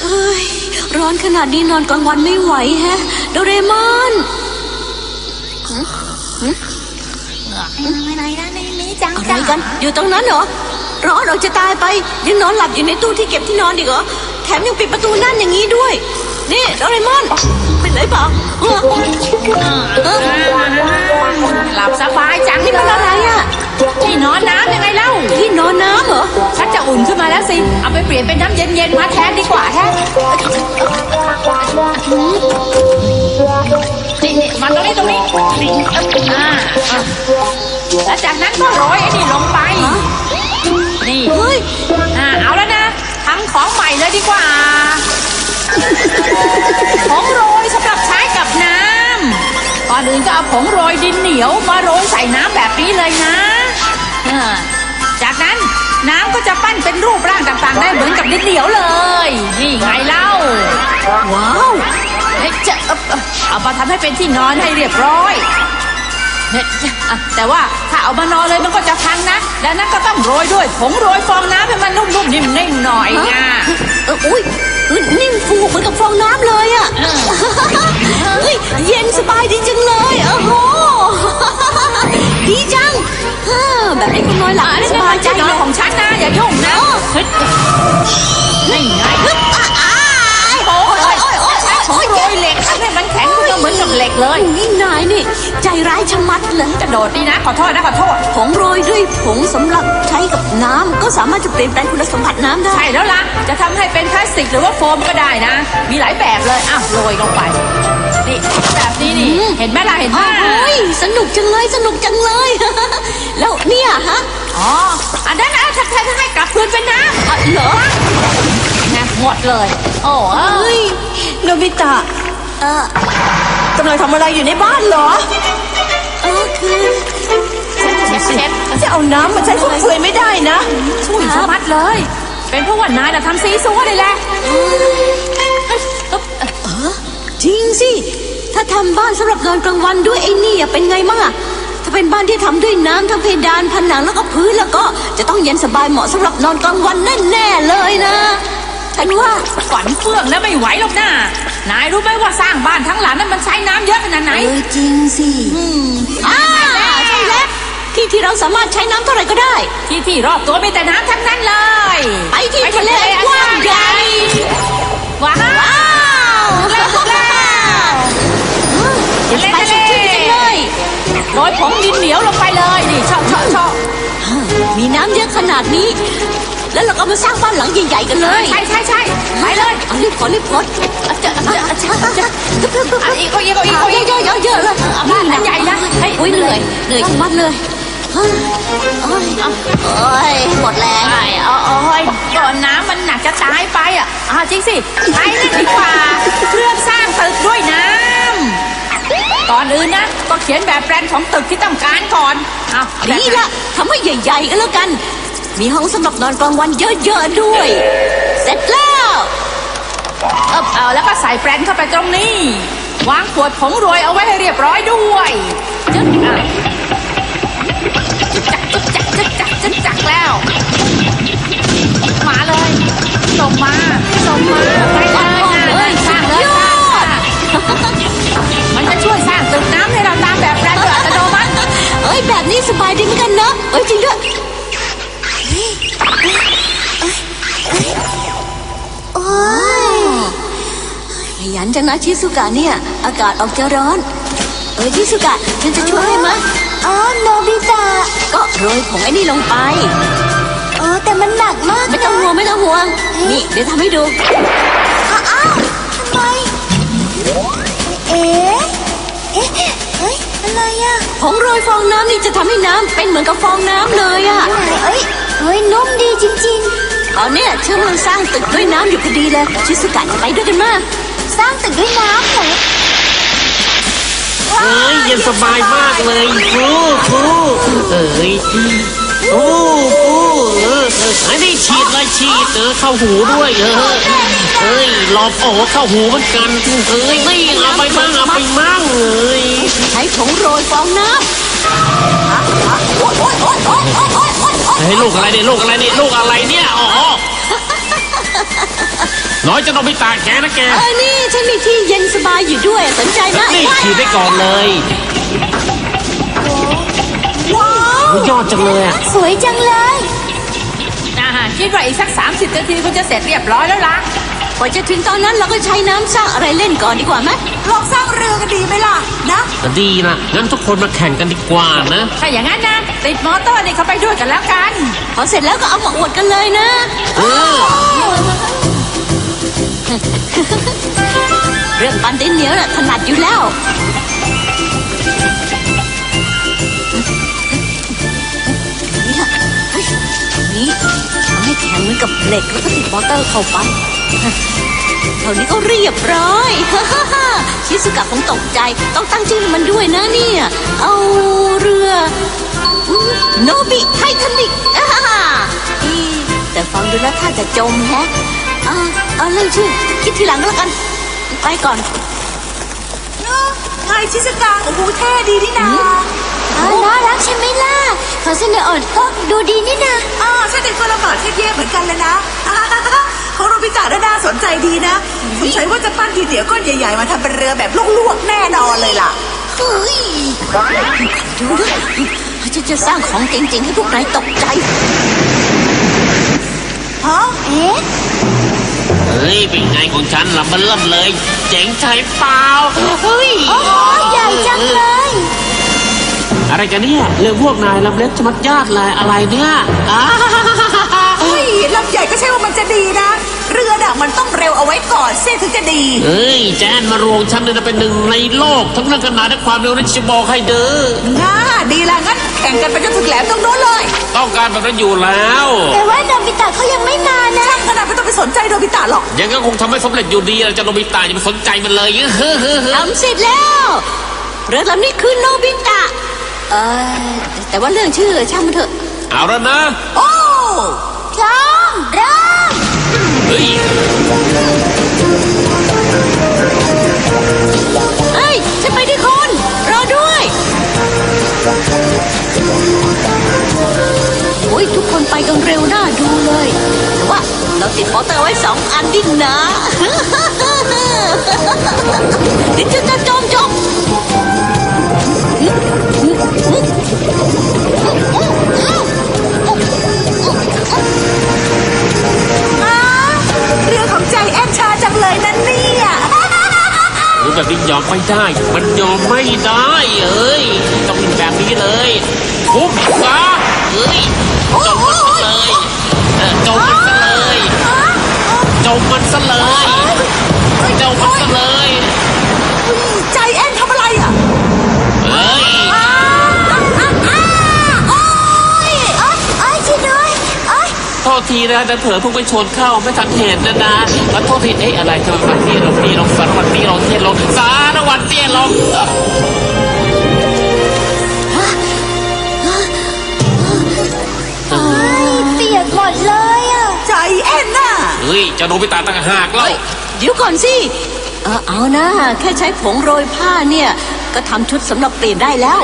ฮ้ยร้อนขนาดนี้นอนกลางวันไม่ไหวแฮะโดเรมอนอะไรนะนี่จังอะไรกันอยู่ตรงนั้นเหรอร้อนออกจะตายไปยังนอนหลับอยู่ในตู้ที่เก็บที่นอนอีกเหรอแถมยังปิดประตูนั่นอย่างนี้ด้วยนี่โดเรมอนเป็นไรเปล่าหลับสบายจังนี่มันอะไรอ่ะที่นอนน้ำยังไงเล่าที่นอนน้ำเหรอชักจะอุ่นขึ้นมาแล้วสิเอาไปเปลี่ยนเป็นน้ำเย็นๆมาแทนดีกว่าแฮะนี่มาตรงนี้แล้วจากนั้นก็โรยไอ้นี่ลงไปนี่เอาแล้วนะทำของใหม่เลยดีกว่าผงโรยสำหรับใช้กับน้ำก่อนอื่นก็เอาผงโรยดินเหนียวมาโรยใส่น้ำแบบนี้เลยนะจากนั้นน้ำก็จะปั้นเป็นรูปร่างต่างๆได้เหมือนกับดินเหนียวเลยนี่ไงเล่าว้าวจะเอามาทำให้เป็นที่นอนให้เรียบร้อยแต่ว่าถ้าเอามานอนเลยมันก็จะพังนะดังนั้นก็ต้องโรยด้วยผงโรยฟองน้ำให้มันนุ่มๆนิ่มๆหน่อยนะอุ้ยนิ่มฟูเหมือนกับฟองน้ำเลยอ่ะเย็นสบายดีจังเลยโอ้โหดีจังแบบนี้คุณน้อยหลับสบายใจนอนของฉันนะอย่ายุ่งนะนี่ไงโอ้ยโรยเหล็กทำให้มันแข็งเหมือนกับเหล็กเลยนี่นายนี่ใจร้ายชะมัดเลยกระโดดดีนะขอโทษผงโรยด้วยผงสำหรับใช้กับน้ำก็สามารถจะเปลี่ยนแปลงคุณสมบัติน้ำได้ใช่แล้วล่ะจะทำให้เป็นพลาสติกหรือว่าโฟมก็ได้นะมีหลายแบบเลยโรยลงไปนี่แบบนี้นี่เห็นไหมล่ะเห็นไหมสนุกจังเลยแล้วเนี่ยฮะอันนั้นนะถ้าให้กลับคืนเป็นน้ำเหรอนะหมดเลยโอ้ยโนบิตะกำลังทำอะไรอยู่ในบ้านเหรอคือเชฟจะเอาน้ำมาใช้ฟุ่มเฟือยไม่ได้นะช่วยสมัดเลยเป็นเพราะว่านายทำซีซัวเลยแหละจริงสิถ้าทำบ้านสำหรับนอนกลางวันด้วยไอ้นี่เป็นไงมั่งอะถ้าเป็นบ้านที่ทำด้วยน้ำทั้งเพดานผนังแล้วก็พื้นแล้วก็จะต้องเย็นสบายเหมาะสำหรับนอนกลางวันแน่ๆเลยนะฉันว่าฝันเฟื่องแล้วไม่ไหวหรอกนะนายรู้ไหมว่าสร้างบ้านทั้งหลังนั้นมันใช้น้ำเยอะขนาดไหนจริงสิใช่แล้วที่เราสามารถใช้น้ำเท่าไหร่ก็ได้ที่รอบตัวมีแต่น้ำทั้งนั้นเลยไปที่ทะเลกว้างใหญ่ว้าวทะเลจังเลยโรยผงดินเหนียวลงไปเลยนี่ชอบมีน้ำเยอะขนาดนี้แล้วเราก็มาสร้างบ้านหลังใหญ่ๆกันเลยใช่ไปเลยรีบขออีกเยอะเลยบ้านใหญ่นะเหนื่อยทั้งวันเลยหมดแรงก่อนน้ำมันหนักจะตายไปจริงสิไปนั่นดีกว่าเพื่อสร้างตึกด้วยน้ำก่อนอื่นนะก็เขียนแบบแปลนของตึกที่ต้องการก่อนนี่ละทำให้ใหญ่ๆก็แล้วกันมีห้องสำหรับนอนกลางวันเยอะๆด้วยเสร็จแล้วแล้วก็ใส่แปลนเข้าไปตรงนี้วางขวดผงโรยเอาไว้ให้เรียบร้อยด้วยจักแล้วมาเลยส่งมาไปเลยสร้างเลยมันจะช่วยสร้างตึกน้ำให้เราตามแบบแปลนโดยอัตโนมัติแบบนี้สบายดีเหมือนกันเนอะจริงด้วยขยันจังนะชิซุกะเนี่ยอากาศออกจะร้อนชิซุกะฉันจะช่วยให้มั้ยโนบิตะก็โรยผงไอ้นี่ลงไปแต่มันหนักมากไม่ต้องห่วงนี่เดี๋ยวทำให้ดูทำไมอะไรผงโรยฟองน้ำนี่จะทำให้น้ำเป็นเหมือนกับฟองน้ำเลยนุ่มดีจริงๆตอนนี้เชื่อมันสร้างตึกด้วยน้ำอยู่พอดีเลยชิซุกะจะไปด้วยกันมาสร้างตึกด้วยน้ำเหรอเย็นสบายมากเลยอันนี้ฉีดเข้าหูด้วยหลอบเข้าหูเหมือนกันนี่เอาไปมั่งใช้ผงโรยฟองน้ำลูกอะไรเนี่ยน้อยจะโนบิตะแกนะแกนี่ฉันมีที่เย็นสบายอยู่ด้วยสนใจนะนี่ขี่ได้ก่อนเลยว้าวยอดจังเลยอะสวยจังเลยคิดว่าอีกสัก30 นาทีคงจะเสร็จเรียบร้อยแล้วล่ะกว่าจะถึงตอนนั้นเราก็ใช้น้ำสร้างอะไรเล่นก่อนดีกว่าไหมลองสร้างเรือกันดีไหมล่ะนะดีนะงั้นทุกคนมาแข่งกันดีกว่านะถ้าอย่างนั้นนะติดมอเตอร์นี่เข้าไปด้วยกันแล้วกันพอเสร็จแล้วก็เอามาอวดกันเลยนะเออเรื่องปั้นดินเหนียวน่ะถนัดอยู่แล้วนี่ล่ะเฮ้ยนี่ทำให้แข็งเหมือนกับเหล็กแล้วก็ติดมอเตอร์เข้าไปเท่านี้ก็เรียบร้อย ชิซุกะคงตกใจต้องตั้งชื่อให้มันด้วยนะเนี่ยเอาเรือโนบิไททานิกแต่ฟังดูแล้วถ้าจะจมแฮะเอาเรื่องชื่อคิดทีหลังก็แล้วกันไปก่อนไงชิสกาโอ้โหเท่ดีนี่นาน่ารักใช่ไหมล่ะขอเสนออ่อนก็ดูดีนี่นะใช่เป็นคนละบาทเท่ๆเหมือนกันเลยนะของโนบิตะน่าสนใจดีนะสงสัยว่าจะปั้นทีเดียวก้อนใหญ่ๆมาทำเป็นเรือแบบลวกๆแน่นอนเลยล่ะเฮ้ยดูด้วยฉันจะสร้างของเจ๋งๆให้พวกนายตกใจฮะเอ๊ะเฮ้ยเป็นไงของฉันล่ะมันเริ่มเลยเจ๋งใจเปล่าเฮ้ยโอ้โหใหญ่จังเลยอะไรกันเนี่ยเรื่องพวกนายลำเล็กจะมัดญาติเลยอะไรเนี่ยเฮ้ยลำใหญ่ก็ใช่ว่ามันจะดีนะเรือน่ะมันต้องเร็วเอาไว้ก่อนเสียถึงจะดีเฮ้ยแจนมารวงฉันเนี่ยนะเป็นหนึ่งในโลกทั้งเรื่องขนาดและความเร็วนั่นจะบอกให้เด้อดีละงั้นแข่งกันไปจนถึงแหลมตรงโน้นเลยต้องการแบบนั้นอยู่แล้วแต่ว่าโนบิตะเขายังไม่มานะช่างขนาดไม่ต้องไปสนใจโนบิตะหรอกยังก็คงทำให้สำเร็จอยู่ดีเราจะโนบิตะอย่าไปสนใจมันเลยทำเสร็จแล้วเรือลำนี้คือโนบิตะแต่ว่าเรื่องชื่อช่างมันเถอะเอาแล้วนะโอ้พร้อมเริ่มเฮ้ยฉันไปด้วยคนรอด้วยโอ้ยทุกคนไปกันเร็วน่าดูเลยแต่ว่าเราติดมอเตอร์ไว้2 อันดินนะเดี๋ยวจะจมเรือของใจแอนชาจังเลยนั่นเนี่ยแบบนี้ยอมไม่ได้มันยอมไม่ได้เอ้ยต้องเป็นแบบนี้เลยทุบซะเอ้ยจมมันซะเลยจมมันซะเลยจมมันซะเลยจมมันซะเลยใจแอนทำอะไรอ่ะเอ้ยโทษทีนะแต่เผลอพุ่งไปชนเข้าไม่ทันเห็นนะแล้วโทษทีอะไรทำไมวันที่เราตีลงสารวันที่เราเทียนลงสารวันเทียนลงเปียกหมดเลยอ่ะใจแอนน่ะเฮ้ยจะโนบิตะต่างหากแล้วเดี๋ยวก่อนสิเอานะแค่ใช้ผงโรยผ้าเนี่ยก็ทำชุดสำหรับเปลี่ยนได้แล้ว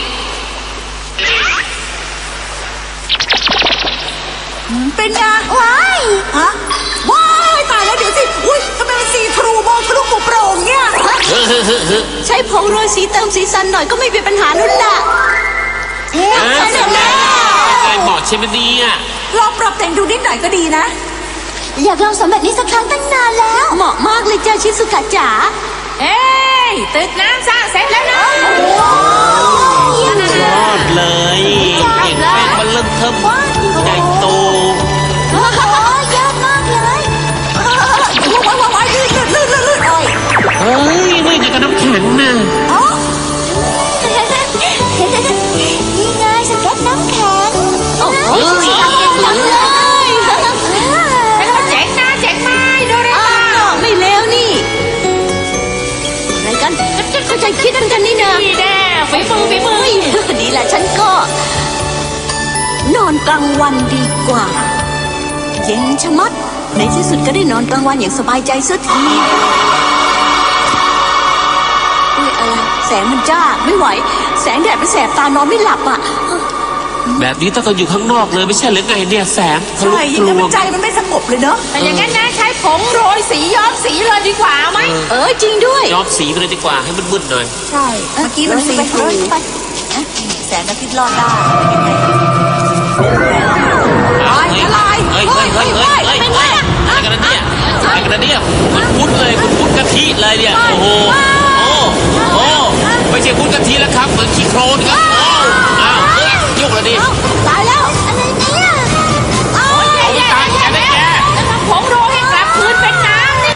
เป็นไงว้ายฮะว้ายตายแล้วเดี๋ยวสิอุ้ยทำไมมันสีทรูมองทะลุโปร่งเนี่ยใช้ผงโรยสีเติมสีสันหน่อยก็ไม่เป็นปัญหาลุ้นละเสร็จแล้วเหมาะใช่ไหมเนี่ยลองปรับแต่งดูนิดหน่อยก็ดีนะอยากลองสำเร็จนี้สักครั้งตั้งนานแล้วเหมาะมากเลยจ้าชิซุกะจ๋าตึกน้ำสร้างเสร็จแล้วนะยอดเลยเห็นแป้งมันเริ่มเทิมใหญ่โตโอ้ยอดมากเลยว้ายลื่นเฮ้ยนี่ไงกับน้ำแข็งน่ะนี่ไงสเก็ตน้ำแข็งโอ้โหจังเลยเป็นคนเจ๋งนะเจ๋งไหมดูเลยไม่เลวนี่อะไรกันเข้าใจคิดกันนี่นะนี่แน่ฝีมือดีแหละฉันก็นอนกลางวันดีกว่าเย็นชะมัดในที่สุดก็ได้นอนกลางวันอย่างสบายใจสักทีอะไรแสงมันจ้าไม่ไหวแสงแดดไปแสบตานอนไม่หลับอ่ะแบบนี้ต้องอยู่ข้างนอกเลยไม่ใช่หรือไงเนี่ยแสงทะลุใช่ทะยังลไงวมันงใจมันไม่สงบเลยเนาะแต่อย่างนั้นนะใช้ผงโรยสีย้อมสีเลยดีกว่าไหมจริงด้วยย้อมสีไปเลยดีกว่าให้มันมึนๆหน่อยใช่เมื่อกี้มันสีไปทรูไปแสงอาทิตย์รอดได้อะไรเฮ้ยอะไรกันนะเนี่ยอะไรกันนะเนี่ยคุณพุดเลยคุณพุดกะทิเลยเนี่ยโอ้โหไม่ใช่พุดกะทิแล้วครับเหมือนขี้โคลนครับ